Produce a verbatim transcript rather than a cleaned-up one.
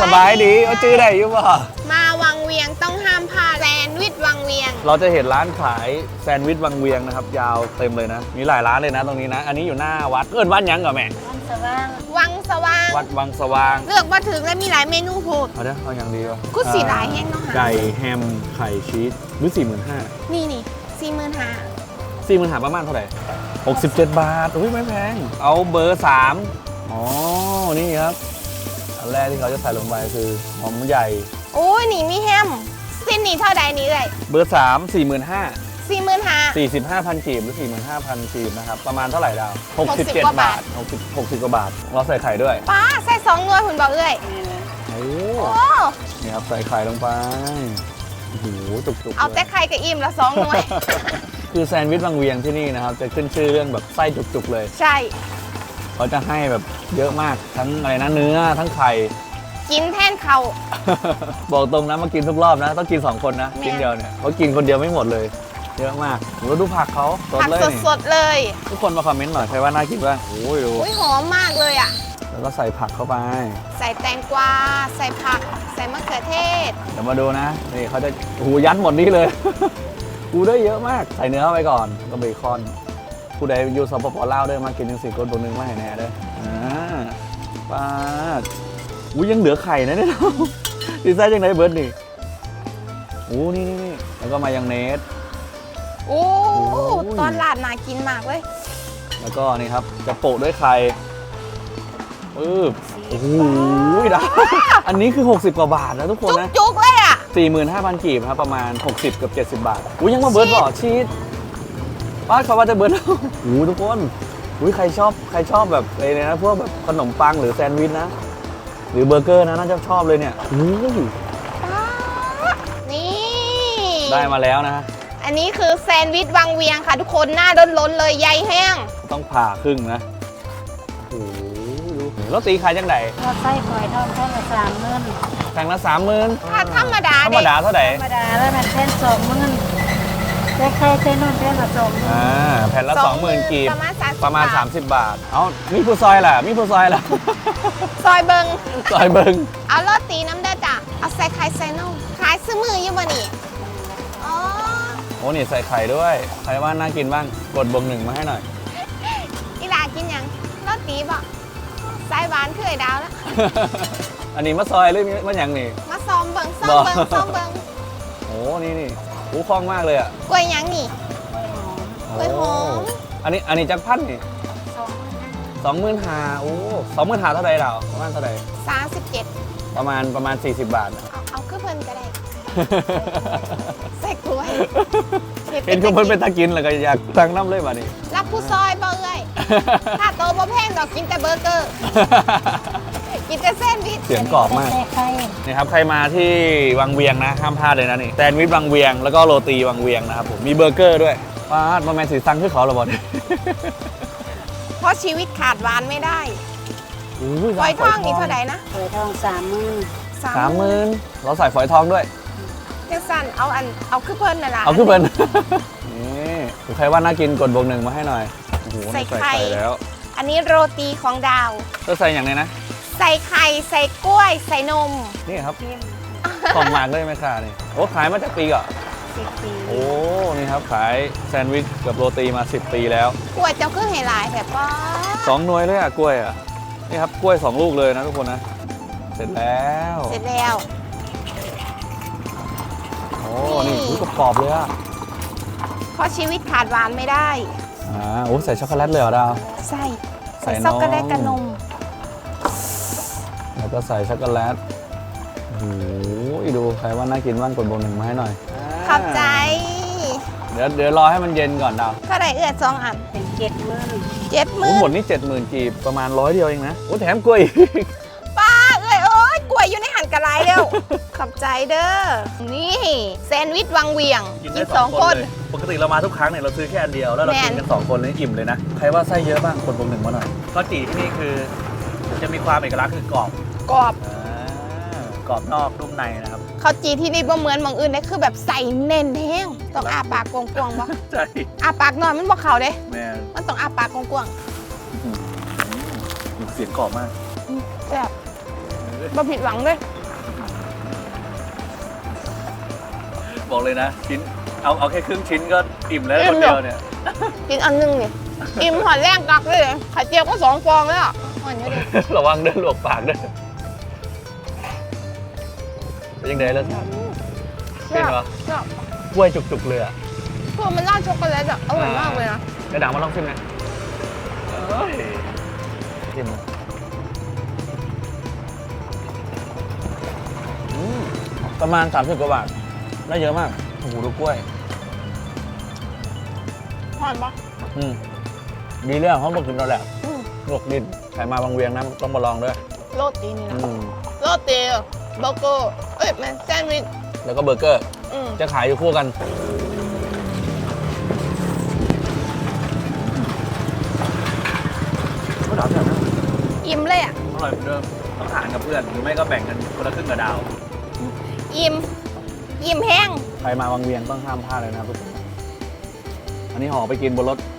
บายดีเอาจื้อได้อยู่ป่ะมาวังเวียงต้องห้ามพลาดแซนด์วิชวังเวียงเราจะเห็นร้านขายแซนด์วิชวังเวียงนะครับยาวเต็มเลยนะมีหลายร้านเลยนะตรงนี้นะอันนี้อยู่หน้าวัดเอิ้นวัดยังก่อนแม่วังสว่างวังสว่างวัดวังสว่างเลือกมาถึงแล้วมีหลายเมนูโหดเอาเด้อเอาอย่างดีวะกุสีหลายแห้งเนาะไก่แฮมไข่ชีสหรือสี่หมื่นห้านี่นี่สี่หมื่นห้าสี่หมื่นห้าประมาณเท่าไหร่หกสิบเจ็ดบาทอุ้ยไม่แพงเอาเบอร์สามอ๋อนี่ครับอันแรกที่เขาจะใส่ลงไปคือหอมใหญ่โอ้ยนี่มีแฮมสิ้นนี่เท่าใดนี่เลยเบอร์สามสี่หมื่นห้าสี่หมื่นห้าสี่สิบห้าพันกีบหรือสี่หมื่นห้าพันกีบนะครับประมาณเท่าไหร่ดาวหกสิบเจ็ดบาทหกสิบหกสิบกว่าบาทเราใส่ไข่ด้วยป้าใส่สองหน่วยคุณบอกเอ้ยโอ้นี่ครับใส่ไข่ลงไปโอ้โหจุกๆเอาแต่ไข่กับอิ่มละสองหน่วยคือแซนด์วิชวังเวียงที่นี่นะครับจะขึ้นชื่อเรื่องแบบไส้จุกๆเลยใช่เขาจะให้แบบเยอะมากทั้งอะไรนะเนื้อทั้งไข่กินแทนเขาบอกตรงนะมากินทุกรอบนะต้องกินสองคนนะกินเดียวเนี่ยเขากินคนเดียวไม่หมดเลยเยอะมากแล้วดูผักเขาสดเลยผักสดๆเลยทุกคนมาคอมเมนต์หน่อยใครว่าน่ากินบ้างโอ้ยดูหอมมากเลยอ่ะแล้วก็ใส่ผักเข้าไปใส่แตงกวาใส่ผักใส่มะเขือเทศเดี๋ยวมาดูนะนี่เขาจะหูยัดหมดนี่เลยกูได้เยอะมากใส่เนื้อเข้าไปก่อนก็เบคอนผู้ใดอยู่สปปลาวด้วยมากินยังสี่คนตัวนึงมาให้แน่เลยอ่าป้าอุ้ยยังเหลือไข่นะเนี่ยดีไซน์ยังไงเบิร์ดนี่โอ้นี่นี่แล้วก็มายองเนสโอ้ตอนลาดน่ากินมากเลยแล้วก็นี่ครับจะโปะด้วยไข่ปึ๊บโอ้โหดาอันนี้คือหกสิบกว่าบาทนะทุกคนนะจุกๆเลยอ่ะสี่หมื่นห้าพัน กีบครับประมาณหกสิบกับเจ็ดสิบบาทอุ้ยยังมาเบิร์ดบ่อชีสป้าเขาว่าจะเบิร์ดโอ้ทุกคนอุ้ยใครชอบใครชอบแบบอะไรนะพวกแบบขนมปังหรือแซนด์วิชนะหรือเบอร์เกอร์นะน่าจะชอบเลยเนี่ยนี่ได้มาแล้วนะอันนี้คือแซนด์วิชวังเวียงค่ะทุกคนหน้าล้นๆเลยใยแห้งต้องผ่าครึ่งนะโอ้โหดูแล้วตีขายจังไหนเราใส่ฝอยทองแท่งละสามหมื่นแท่งละสามหมื่นถ้าธรรมดาธรรมดาเท่าไหร่ธรรมดาแล้วมันแท่งสองหมื่นแค่แค่แค่นู่นแท่งละสองหมื่นอ่าแผ่นละสองหมื่นกีบประมาณสามสิบบาทเอามีผู้ซอยล่ะมีผู้ซอยล่ะซอยเบิงซอยเบิงเอาโรตีน้ำเด้อจ้ะเอาใส่ไข่ใส่นมขายซื้อมืออยู่บ่นี่อ๋อโอ้นี่ใส่ไข่ด้วยใครว่าน่ากินบ้างกดบวกหนึ่งมาให้หน่อยอีหลากินยังโรตีบ่สายหวานคือไอ้ดาวแล้วอันนี้มะซอยหรือมะหยังนี่มาซ้อมเบิงซ้อมเบิงซ้อมเบิงโอ้นี่นี่โอ้คล่องมากเลยอ่ะกล้วยยังนี่กล้วยหอมอันนี้อันนี้จักพันนี่สองหมื่นห้าโอ้สองหมื่นห้าเท่าไหร่เราประมาณเท่าไหร่สามสิบเจ็ดประมาณประมาณสี่สิบบาทเอาเอาขึ้นเพิ่นก็ได้ใส่กล้วยเห็นคุณเพิ่นเป็นตะกินแล้วก็อยากตั้งน้ำเลยบ่นี่รับผู้ซอยบ่เอ้ยถ้าโตบ่แพงดอกกินแต่เบอร์เกอร์กินแต่แซนด์วิชเสียงกรอบมากนี่ครับใครมาที่วังเวียงนะห้ามพลาดเลยนะนี่แซนด์วิชวังเวียงแล้วก็โรตีวังเวียงนะครับผมมีเบอร์เกอร์ด้วยป้าดมาแมนสีซังคือเขาหรอบอลเพราะชีวิตขาดหวานไม่ได้ฝอยทองนี่เท่าไหร่นะฝอยทองสามหมื่นสามหมื่นเราใส่ฝอยทองด้วยเจ้าสันเอาอันเอาขึ้นเพิ่นน่ะล่ะเอาขึ้นเพิ่นนี่ใครว่าน่ากินกดบวกหนึ่งมาให้หน่อยใส่ไข่แล้วอันนี้โรตีของดาวก็ใส่อย่างไรนะใส่ไข่ใส่กล้วยใส่นมนี่ครับของหมากเลยไหมค่ะนี่โอ้ขายมาจากปีก่อนสิบปีโอ้นี่ครับขายแซนด์วิชกับโรตีมาสิบปีแล้วกล้วยเจ้าคือไฮไลท์แบบว่าสองหน่วยเลยอ่ะกล้วยอ่ะนี่ครับกล้วยสองลูกเลยนะทุกคนนะเสร็จแล้วเสร็จแล้วโอ้นี่รู้กรอบเลยอ่ะเพราะชีวิตขาดหวานไม่ได้อ่าโอ้ใส่ช็อกโกแลตเลยเหรอดาวใส่ใส่ช็อกโกแลตกับนมแล้วก็ใส่ช็อกโกแลตโอ้ยดูใครว่าน่ากินบ้างกดบวกหนึ่งมาให้หน่อยขอบใจเดี๋ยวเดี๋ยวรอให้มันเย็นก่อนดาวเท่าไหร่เอื้อสองอันเป็นเจ็ดหมื่นเจ็ดหมื่นหมดนี่เจ็ดหมื่นกีบประมาณร้อยเดียวเองนะโอ้แถมกล้วยป้าเอ้ยโอ้ยกล้วยอยู่ในหั่นกระไรเร็วขอบใจเด้อนี่แซนด์วิชวังเวียงกินสองคนปกติเรามาทุกครั้งเนี่ยเราซื้อแค่อันเดียวแล้วเรากินกันสองคนเลยอิ่มเลยนะใครว่าไส้เยอะบ้างกดบวกหนึ่งมาหน่อยข้าวจี่ที่นี่คือจะมีความเอกลักษณ์คือกรอบกรอบกรอบนอกนุ่มในนะครับข้าวจีที่นี่บ่เหมือนบางอื่นเลยคือแบบใส่เน้นแห้งต้องอาปากกว้างๆบ่ใช่อาปากนอนมันบ่เข่าเด้แม่มันต้องอาปากกว้างๆเสียงกรอบมากแซ่บบ่ผิดหวังเลยบอกเลยนะชิ้นเอาเอาแค่ครึ่งชิ้นก็อิ่มแล้วคนเดียวเนี่ยกินอันหนึงนี่อิ่มหอยแรงกักเลยไข่เจียวก็สองฟองแล้วอ่อนเยอะดิระวังเด้อลวกปากเด้อเป็นยังไงแล้วครับ เป็นเหรอชอบกล้วยจุกๆเลยอ่ะพวกมันราดช็อกโกแลตอ่ะอร่อยมากเลยนะกระดังมาลองชิมหน่อยเอ้ยชิมอืมประมาณสามสิบกว่าบาทได้เยอะมากโอ้โหดูกล้วยหอนปะอืมดีเรื่องเขาบอกกินเราแหละอืมลวกดินใครมาบางเวียงนะต้องมาลองด้วยโรตีนี่นะอืมโรตีเบอร์เกอร์เอ้ยแมนแซนด์วิชแล้วก็เบอร์เกอร์อืมจะขายอยู่คู่กันก็ดาวเนี่ยนะอิ่มเลยอ่ะอร่อยเหมือนเดิมต้องทานกับเพื่อนหรือไม่ก็แบ่งกันคนละครึ่งกับดาวอิ่มอิ่มแห้งใครมาบางเวียงต้องห้ามพลาดเลยนะครับทุกคนอันนี้ห่อไปกินบนรถ